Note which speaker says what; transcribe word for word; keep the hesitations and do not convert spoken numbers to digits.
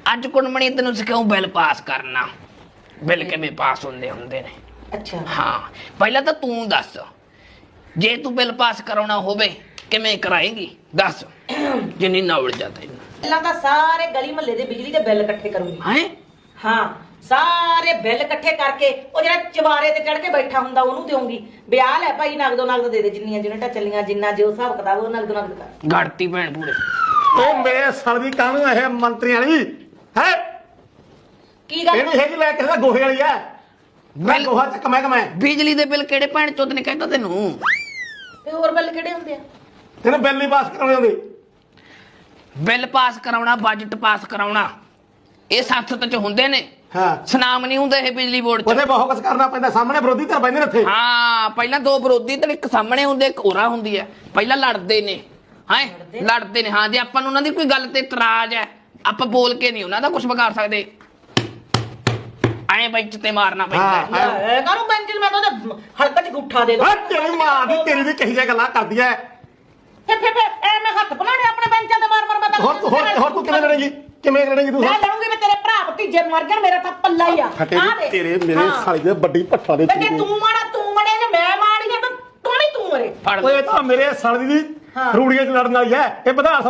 Speaker 1: ਅੱਜ ਕੁੜਮਣੀ ਤੈਨੂੰ ਸਿਖਾਉ bill pass ਕਰਨਾ। ਬਿੱਲ ਕਿਵੇਂ ਪਾਸ ਹੁੰਦੇ ਹੁੰਦੇ ਨੇ।
Speaker 2: ਅੱਛਾ
Speaker 1: ਹਾਂ ਪਹਿਲਾਂ ਤਾਂ ਤੂੰ ਦੱਸ ਜੇ ਤੂੰ ਬਿੱਲ ਪਾਸ ਕਰਾਉਣਾ ਹੋਵੇ ਕਿਵੇਂ ਕਰਾਏਂਗੀ ਦੱਸ ਜਿੰਨੀ ਨੌਲੇਜ ਆ ਤੈਨੂੰ।
Speaker 2: ਪਹਿਲਾਂ ਤਾਂ ਸਾਰੇ ਗਲੀ ਮਹੱਲੇ ਦੇ ਬਿਜਲੀ ਦੇ ਬਿੱਲ ਇਕੱਠੇ ਕਰੂੰਗੀ।
Speaker 1: ਹੈਂ
Speaker 2: ਹਾਂ ਸਾਰੇ ਬਿੱਲ ਇਕੱਠੇ ਕਰਕੇ ਉਹ ਜਿਹੜਾ ਚਵਾਰੇ ਤੇ ਚੜ ਕੇ ਬੈਠਾ ਹੁੰਦਾ ਉਹਨੂੰ ਦੇਵਾਂਗੀ। ਵਿਆਹ ਲੈ ਭਾਈ ਨਗਦੋ ਨਗਦ ਦੇ ਦੇ ਜਿੰਨੀਆਂ ਯੂਨਿਟਾਂ ਚੱਲੀਆਂ ਜਿੰਨਾ ਜੋ ਹਿਸਾਬ ਕਿਤਾਬ ਉਹ ਨਗਦੋ ਨਗਦ ਕਰ।
Speaker 1: ਗੜਤੀ ਭੈਣ ਪੂਰੇ
Speaker 3: ਉਹ ਮੇਰੇ ਸਾਲ ਦੀ ਕਾਹਨੂੰ ਇਹ ਮੰਤਰੀਆਂ ਵਾਲੀ ਹੈ
Speaker 2: ਕੀ ਗੱਲ
Speaker 3: ਇਹ ਨਹੀਂ ਹੈਗੀ ਲੈ ਕਿਸੇ ਦਾ ਗੋਹੇ ਵਾਲੀ ਐ ਮੈਂ ਗੋਹਾ ਚੱਕ ਮੈਂ ਕਮੈਂ
Speaker 1: ਬਿਜਲੀ ਦੇ ਬਿੱਲ ਕਿਹੜੇ ਭੈਣ ਚੋਦ ਨੇ ਕਹਿੰਦਾ ਤੈਨੂੰ।
Speaker 2: ਤੇ ਹੋਰ ਬਿੱਲ ਕਿਹੜੇ ਹੁੰਦੇ ਆ?
Speaker 3: ਤੈਨੂੰ ਬਿੱਲ ਨਹੀਂ ਪਾਸ ਕਰਾਉਣੇ ਹੁੰਦੇ।
Speaker 1: ਬਿੱਲ ਪਾਸ ਕਰਾਉਣਾ ਬਜਟ ਪਾਸ ਕਰਾਉਣਾ ਇਹ ਸੰਸਦ ਚ ਹੁੰਦੇ ਨੇ।
Speaker 3: ਹਾਂ
Speaker 1: ਸਨਾਮ ਨਹੀਂ ਹੁੰਦੇ ਇਹ ਬਿਜਲੀ ਬੋਰਡ ਚ।
Speaker 3: ਉਹਦੇ ਬਹੁਤ ਕੁਝ ਕਰਨਾ ਪੈਂਦਾ ਸਾਹਮਣੇ ਵਿਰੋਧੀ ਧਿਰ ਬੈਠੇ ਨੇ ਇੱਥੇ।
Speaker 1: ਹਾਂ ਪਹਿਲਾਂ ਦੋ ਵਿਰੋਧੀ ਤੇ ਇੱਕ ਸਾਹਮਣੇ ਹੁੰਦੇ ਇੱਕ ਹੋਰਾ ਹੁੰਦੀ ਹੈ। ਪਹਿਲਾਂ ਲੜਦੇ ਨੇ ਹਾਂ ਲੜਦੇ ਨੇ। ਹਾਂ ਜੇ ਆਪਾਂ ਨੂੰ ਉਹਨਾਂ ਦੀ ਕੋਈ ਗੱਲ ਤੇ ਇਤਰਾਜ਼ ਹੈ ਆਪਾਂ ਬੋਲ ਕੇ ਨਹੀਂ ਉਹਨਾਂ ਦਾ ਕੁਝ ਵਿਗਾੜ ਸਕਦੇ। ਐਂ ਬੈਂਚ ਤੇ ਮਾਰਨਾ ਪੈਂਦਾ।
Speaker 2: ਇਹ ਕਾਹਨੂੰ ਬੈਂਚ ਮੈਂ ਤਾਂ ਉਹਦੇ ਹਲਕਾ ਚ ਗੁੱਠਾ ਦੇ ਦੋ।
Speaker 3: ਓਏ ਤੇਰੀ ਮਾਂ ਦੀ ਤੇਰੀ ਵੀ ਕਹੀ ਜਿਹੀਆਂ ਗੱਲਾਂ ਕਰਦੀ ਐ।
Speaker 2: ਫੇ ਫੇ ਐ ਮੈਂ ਹੱਥ ਬਣਾਣੇ ਆਪਣੇ ਬੈਂਚਾਂ ਤੇ ਮਾਰ ਮਾਰ ਮੈਂ ਤਾਂ
Speaker 3: ਹੋਰ ਤੂੰ ਹੋਰ ਹੋਰ ਤੂੰ ਕਿਵੇਂ ਲੜੇਂਗੀ ਕਿਵੇਂ ਲੜੇਂਗੀ ਤੂੰ?
Speaker 2: ਮੈਂ ਲੜੂੰਗੀ ਮੈਂ ਤੇਰੇ ਭਰਾ ਭਤੀਜੇ ਮਰ ਜਾਣ ਮੇਰਾ ਤਾਂ ਪੱਲਾ ਹੀ ਆ।
Speaker 3: ਫਟੇ
Speaker 2: ਆਹ ਦੇਖ।
Speaker 3: ਤੇਰੇ ਮੇਰੇ ਸਾਲੀ ਦੇ ਵੱਡੀ ਭੱਠਾ ਦੇ
Speaker 2: ਤੇ ਜੇ ਤੂੰ ਮਾੜਾ ਤੂੰ ਮੜੇ ਜੇ ਮੈਂ ਮਾੜੀ ਆ ਤਾਂ ਤੂੰ ਨਹੀਂ ਤੂੰ ਮਰੇ।
Speaker 1: ਫੜ
Speaker 3: ਓਏ ਤਾਂ ਮੇਰੇ ਸਾਲੀ ਦੀ ਰੂੜੀਆਂ ਚ ਲੜਨ ਵਾਲੀ ਐ ਇਹ ਵਿਧਾਨ